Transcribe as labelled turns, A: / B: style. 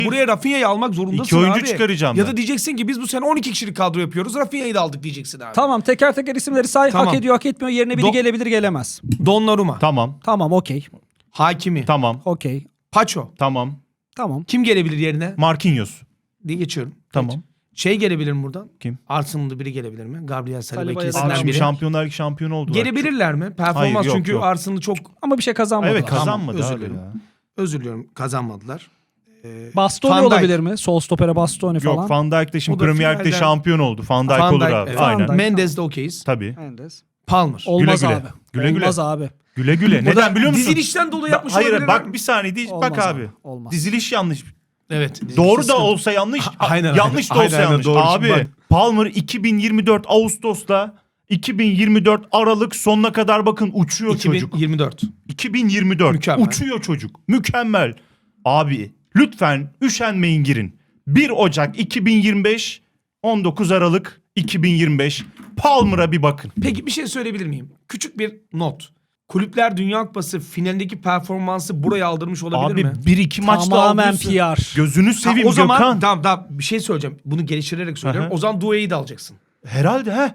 A: Buraya Rafinha'yı almak zorundasın
B: 2 oyuncu
A: abi.
B: çıkaracağım
A: Ya
B: ben.
A: da diyeceksin ki biz bu sene 12 kişilik kadro yapıyoruz. Rafinha'yı da aldık diyeceksin abi.
C: Tamam, teker teker isimleri say.
A: Tamam.
C: Hak ediyor, hak etmiyor. Yerine biri gelebilir, gelemez.
A: Donnarumma.
B: Tamam.
C: Tamam, okey.
A: Hakimi.
B: Tamam.
C: Okey.
A: Paço.
B: Tamam.
C: Tamam.
A: Kim gelebilir yerine?
B: Marquinhos.
A: Diye geçiyorum.
B: Tamam.
A: Geç. Şey gelebilir mi buradan?
B: Kim?
A: Arsenal'da biri gelebilir mi? Gabriel Saliba
C: Saliba ya da
B: Abi
A: ikisinden
B: şimdi
A: biri.
B: Şampiyonlar Ligi şampiyonu oldu.
A: Gelebilirler mi? Performans
B: Hayır, yok,
A: çünkü
B: yok.
A: Arsenal'ı çok
C: Ama bir şey kazanmadılar.
B: Evet, kazanmadı
A: Tamam, özür
B: abi
A: dilerim.
B: ya.
A: özür diliyorum kazanmadılar.
C: Bastoni
A: Van Dijk.
C: olabilir mi? Sol stopere Bastoni falan.
B: Yok, Van Dijk de şimdi
A: O da
B: Premier Lig'de
A: finalden-
B: şampiyon oldu. Van Dijk
A: Van
B: olur
A: Dijk,
B: abi.
A: evet.
B: Aynen.
C: Van Dijk.
A: Mendes de okeyiz.
B: Tabii.
C: Mendes.
A: Palmer.
C: Olmaz
B: Güle güle.
C: abi.
B: Güle güle.
C: Olmaz abi.
B: Güle güle.
A: Burada
B: Neden biliyor musun?
A: dizilişten dolayı yapmış
B: Hayır
A: olabilirler
B: bak
A: mi?
B: bir saniye değil.
C: Olmaz
B: Bak abi.
C: Olmaz.
B: Diziliş yanlış.
A: Evet. dizilişte
B: Doğru da
A: sıkıntı.
B: olsa yanlış.
A: Aynen,
B: yanlış da
A: aynen.
B: olsa
A: Aynen,
B: yanlış.
A: doğru.
B: Abi
A: Şimdi bak.
B: Palmer 2024 Ağustos'la 2024 Aralık sonuna kadar bakın uçuyor çocuk.
A: 2024.
B: 2024
A: Mükemmel.
B: uçuyor çocuk. Mükemmel. Abi lütfen üşenmeyin girin. 1 Ocak 2025 19 Aralık 2025 Palmer'a bir bakın.
A: Peki bir şey söyleyebilir miyim? Küçük bir not. Kulüpler Dünya Kupası finalindeki performansı buraya aldırmış olabilir
B: Abi
A: mi?
B: 1-2 maçta
C: Tamamen
B: aldıysa-
C: PR.
B: Gözünü seveyim
A: o zaman
B: Gökhan.
A: tamam bir şey söyleyeceğim. Bunu geliştirerek söylüyorum.
B: Aha.
A: O zaman Doué'yi de alacaksın.
B: Herhalde he.